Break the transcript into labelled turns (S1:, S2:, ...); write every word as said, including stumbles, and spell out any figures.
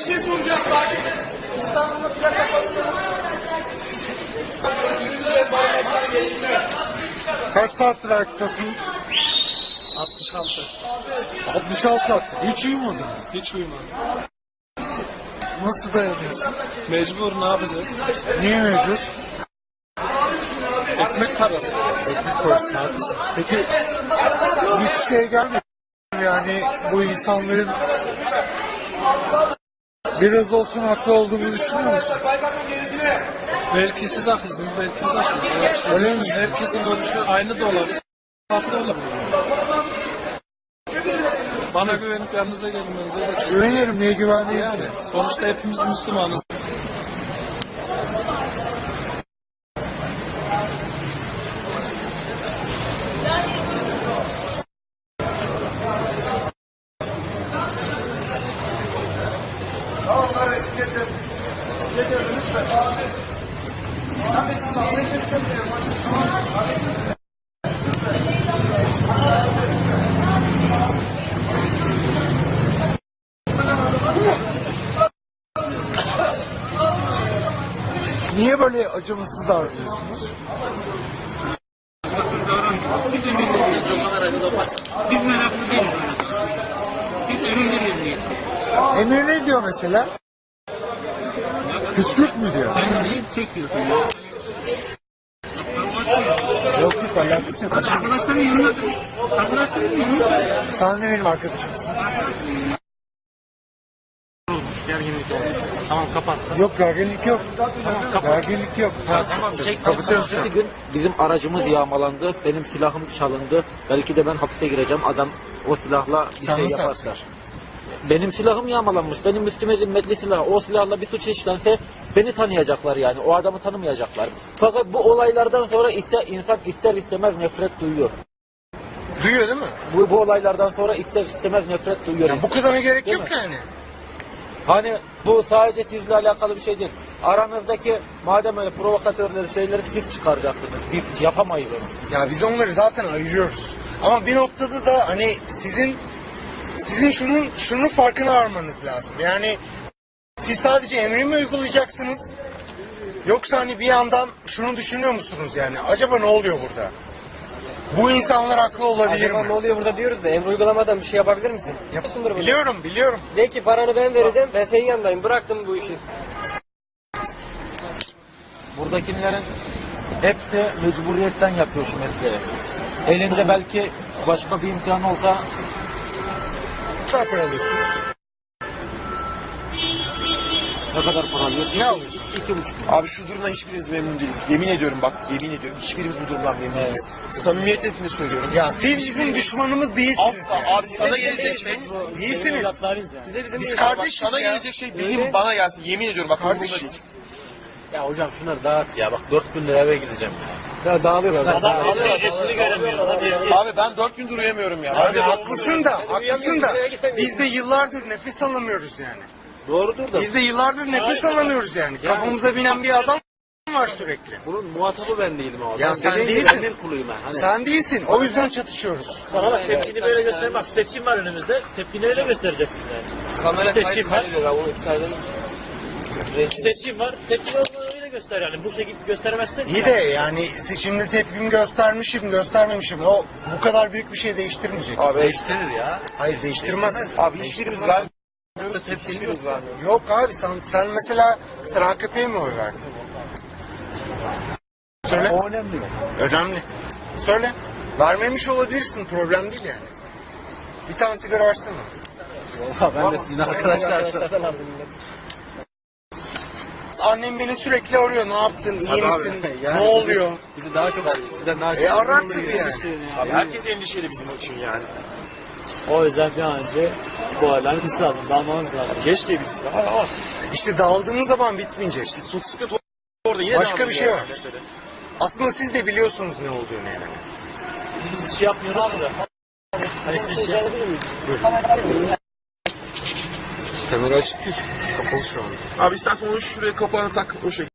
S1: bir şey soracağız sakin. İstanbul'da plaka
S2: Kaç saattir ayaktasın?
S1: altmış altı.
S2: altmış altı saattir. Hiç uyumadın.
S1: Hiç uyumadım.
S2: Nasıl dayanıyorsun?
S1: Mecbur, ne yapacağız?
S2: Niye mecbur?
S1: Ekmek parası.
S2: Ekmek parası, haklısın. Peki hiç şey gelmiyor. Yani bu insanların biraz olsun haklı olduğunu düşünüyor musun?
S1: Belki siz haklısınız, belki biz haklısınız. Şey,
S2: Öyle mi?
S1: herkesin görüşü aynı da olabilir. Farklı olabilir. Bana güvenip yanınıza gelmenize de çok...
S2: Güvenirim, niye güvenmeyiz
S1: Yani
S2: ki?
S1: sonuçta hepimiz Müslümanız.
S2: Niye böyle acımasız davranıyorsunuz? Emir ne diyor mesela? Küskürт mü diyor? Yok yok, alakası yok.
S3: Arkadaşların yanına, arkadaşların yanına
S2: Sen de benim arkadaşımsın.
S3: olmuş, gerginlik olmuş. Tamam kapat.
S2: Yok, gerginlik yok.
S3: Tamam kapat.
S2: Gerginlik yok. Ha,
S3: Tamam çek.
S2: kapatıyorum şu an.
S4: Bir gün bizim aracımız yağmalandı, benim silahım çalındı. Belki de ben hapse gireceğim. Adam o silahla bir
S2: Sen
S4: şey
S2: nasıl
S4: yaparsa. Benim silahım yağmalanmış. Benim üstüme zimmetli silah. O silahla bir suç işlense beni tanıyacaklar yani. O adamı tanımayacaklar. Fakat bu olaylardan sonra ister, insan ister istemez nefret duyuyor.
S2: Duyuyor değil mi?
S4: Bu, bu olaylardan sonra ister istemez nefret duyuyor.
S2: Ya bu
S4: insan.
S2: kadarına gerek
S4: Değil
S2: yok
S4: mi?
S2: yani.
S4: Hani bu sadece sizle alakalı bir şey değil. Aranızdaki madem öyle provokatörleri şeyleri siz çıkaracaksınız. Biz yapamayız onu.
S2: Ya biz onları zaten ayırıyoruz. Ama bir noktada da hani sizin sizin şunun şunun farkına varmanız lazım. Yani siz sadece emri mi uygulayacaksınız? Yoksa hani bir yandan şunu düşünüyor musunuz yani? Acaba ne oluyor burada? Bu insanlar haklı olabilir
S5: Acaba
S2: mi?
S5: ne oluyor burada diyoruz da emri uygulamadan bir şey yapabilir misin?
S2: Yap-
S5: Yapıyorsundur bunu.
S2: biliyorum, biliyorum.
S5: De ki paranı ben vereceğim, ben senin yanındayım, bıraktım bu işi.
S4: Buradakilerin hepsi mecburiyetten yapıyor şu mesleği. Elinde belki başka bir imkan olsa
S2: Ne kadar para alıyorsunuz?
S4: ne kadar para alıyor?
S2: Ne alıyorsunuz?
S4: İki buçuk.
S6: Abi şu durumdan hiçbirimiz memnun değiliz. Yemin ediyorum bak, yemin ediyorum hiçbirimiz bu durumdan memnun değiliz. Samimiyetle hepini söylüyorum.
S2: Ya siz bizim düşmanımız değilsiniz.
S6: Asla abi, sana gelecek şey,
S2: Değilsiniz.
S5: Siz de bizim
S2: Biz
S5: gibi-
S2: kardeşiz
S6: sana
S2: ya.
S6: gelecek şey benim bana gelsin. Yemin ediyorum bak, umurumda değil.
S2: Kardeşiz.
S4: Ya hocam şunları dağıt ya. Bak dört gündür eve gideceğim.
S5: Ya dağılıyorlar.
S6: Abi ben dört gündür uyuyamıyorum ya.
S2: Abi haklısın da, haklısın da biz de yıllardır nefes alamıyoruz yani.
S4: Doğrudur da
S2: Biz de yıllardır nefes alamıyoruz yani. Kafamıza binen bir adam var sürekli.
S4: bunun muhatabı ben değilim abi.
S2: Ya
S4: Ben
S2: sen
S4: dediğin gibi
S2: değilsin.
S4: emir kuluyum ben. Hani
S2: Sen değilsin. O yüzden çatışıyoruz.
S7: Sana bak tepkini böyle göster. Bak seçim var önümüzde. Tepkini öyle göstereceksin yani.
S6: Kamera
S7: Seçim
S6: kayıt
S7: var.
S6: kaydediyor ya, bunu iptal edelim.
S7: Seçim var. Tepkini öyle göster yani. Bu şekilde göstermezsen.
S2: İyi de yani şimdi tepkimi göstermişim, göstermemişim. O bu kadar büyük bir şey değiştirmeyecek.
S6: Abi değiştirir ya.
S2: Hayır, değiştirmez.
S6: Abi hiçbirimiz vermiyoruz. Hiçbirimiz vermiyoruz.
S2: Yok abi, sen, sen mesela sen A K P'ye mi oy verdin? Söyle.
S4: o önemli mi?
S2: Önemli. Söyle. Vermemiş olabilirsin. Problem değil yani. Bir tane sigara versene.
S4: Valla ben de sizin arkadaşlar.
S2: Annem beni sürekli arıyor. Ne yaptın? İyi
S4: Tabii abi.
S2: misin?
S4: Yani
S2: Ne oluyor?
S4: Bizi daha çok arıyor. Sizden daha çok
S2: E arar tabii yani.
S6: Abi herkes endişeli bizim için yani.
S7: O yüzden bir an önce bu olayların bitmesi lazım. Dalmanız lazım.
S6: Keşke bitsin ama
S2: İşte daldığımız zaman bitmeyecek. İşte
S6: çok sıkıntı orada yine
S2: Başka
S6: devam
S2: bir
S6: ediyor
S2: şey var.
S6: mesele.
S2: aslında siz de biliyorsunuz ne olduğunu yani.
S7: Biz bir şey yapmıyoruz da. Hani siz şey
S2: Kamera açık değil. Kapalı şu an.
S6: Abi istersen onu şuraya kapağını tak o şekilde.